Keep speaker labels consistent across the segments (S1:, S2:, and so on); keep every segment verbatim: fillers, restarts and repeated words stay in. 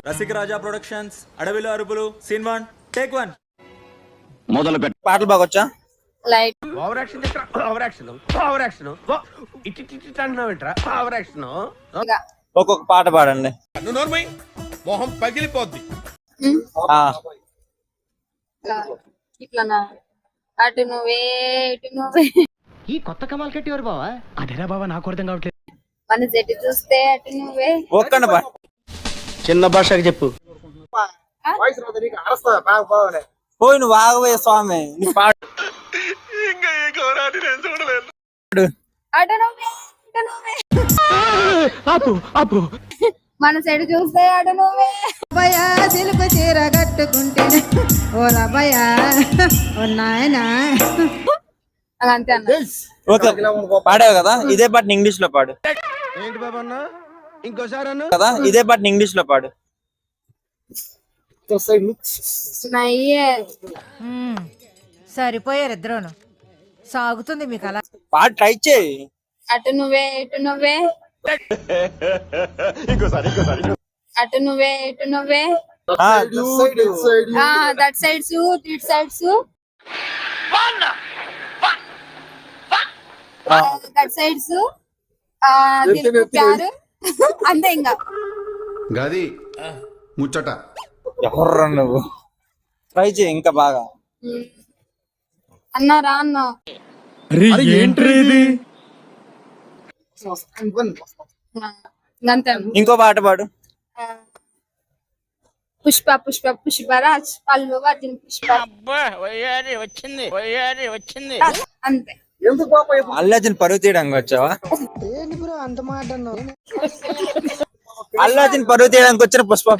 S1: రసిక రాజా productions అడవిలో అరుపులు scene one take one
S2: మొదలు పెట్ట పాటలు బాగొచ్చా?
S3: లైట్
S4: ఓవర్ యాక్షన్ చేస్తా ఓవర్ యాక్షన్ ఓవర్ యాక్షన్ ఇట్టి ఇట్టి అంటున్నావు ఏంట్రా ఓవర్ యాక్షన్
S2: ఒక్కొక్క పాట పాడండి.
S4: నువ్వు నోర్మై మొహం పగిలిపోద్ది.
S2: ఆ
S3: ఇట్లానా అటు నువ్వే ఇటు నువ్వే
S5: ఈ కొత్త కమాల్ కట్టేవారు బావా అదేరా బావా నాకు అర్థం కావట్లేదు.
S3: మన చెట్టు చూస్తే అటు నువ్వే
S2: ఒక్కన పాట
S5: చిన్న భాషకి చెప్పు.
S2: పోయి నువ్వు ఆగవే స్వామి నీ పాడు.
S3: అటు నువ్వే ఇటు నువ్వే
S5: ఆపు ఆపు.
S3: మన చెట్టు చూస్తే అటు నువ్వే
S6: భయ సిలుకు చీర కట్టుకుంటే ఓ రభయ ఓ నాయనా
S3: అంతే అన్న.
S2: ఓకే పాడావు కదా, ఇదే పాటని ఇంగ్లీష్ లో పాడు.
S4: ఏంటి బాబా అన్న ఇంకోసారి అన్న
S2: కదా ఇదే పాటని ఇంగ్లీష్ లో పాడు.
S3: నయ్యే
S6: సరిపోయారు ఇద్దరును. సాగుతుంది మీకు అలా.
S2: పాట ట్రై చేయి.
S3: అటు నువ్వే ఇటు నువ్వే అటు నువ్వే ఇటు నువ్వే that sides it sides that sides ప్యారు అంతే ఇంకా
S7: గది ముచ్చట
S2: ఎవర్రా నువ్వు? ట్రై చేయి ఇంకా బాగా.
S3: అన్నా రా అన్న అంతే అన్న.
S2: ఇంకో పాట పాడు.
S3: పుష్ప పుష్ప పుష్పరాజ్ పళ్ళు వర్జిన్ పుష్ప అంతే.
S2: అల్లాజిన్ పరుగు తీయడానికి వచ్చావా? అల్లాజిన్ పరుగు తీయడానికి వచ్చిన పుష్ప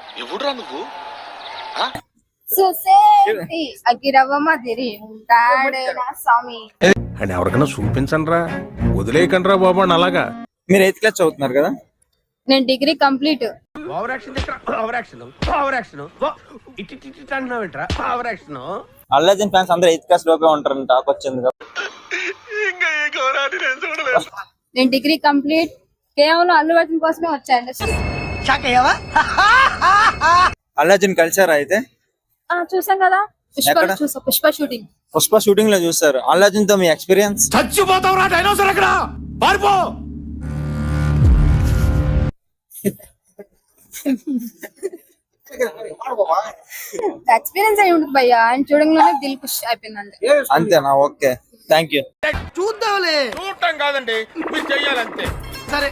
S3: సుసేటి అగిరవ మదిరి ఉంటాడే నా స్వామి.
S4: అండ్ ఎవరికైనా చూపించండి రా వదిలేయకండి రా బాబా అలాగా.
S2: మీరు ఎయిత్ క్లాస్ చదువుతున్నారు కదా?
S3: నేను డిగ్రీ కంప్లీట్.
S4: ఓవర్ యాక్షన్ చేస్తా ఓవర్ యాక్షన్ ఓవర్ యాక్షన్ ఇట్టి ఇట్టి అంటున్నావు ఏంట్రా ఓవర్ యాక్షన్
S2: అల్లాజిన్ ఫ్యాన్స్ అందరూ ఎయిత్ క్లాస్ లోపే ఉంటారని టాక్ వచ్చింది కదా.
S3: నేను డిగ్రీ కంప్లీట్ కేవలం అల్లు అర్జున్ కోసమే వచ్చా ఇండస్ట్రీ.
S2: అల్లాజిన్ కలిసారా అయితే?
S3: చూసాం కదా పుష్ప
S2: ఎక్కడ?
S3: చూసా పుష్ప షూటింగ్.
S2: పుష్ప షూటింగ్ లో చూసారు. అల్లాజిన్ తో మీ ఎక్స్పీరియన్స్?
S4: చచ్చిపోతావు రా డైనోసార్ అక్కడ పారిపో.
S3: ఎక్స్పీరియన్స్ అయి ఉంటుంది భయ్యా. ఆయన చూడంగానే దిల్ ఖుష్ అయిపోయింది.
S2: అంతేనా? Okay thank you.
S4: చూద్దాంలే చూడటం కాదండి మీరు చెయ్యాలంతే.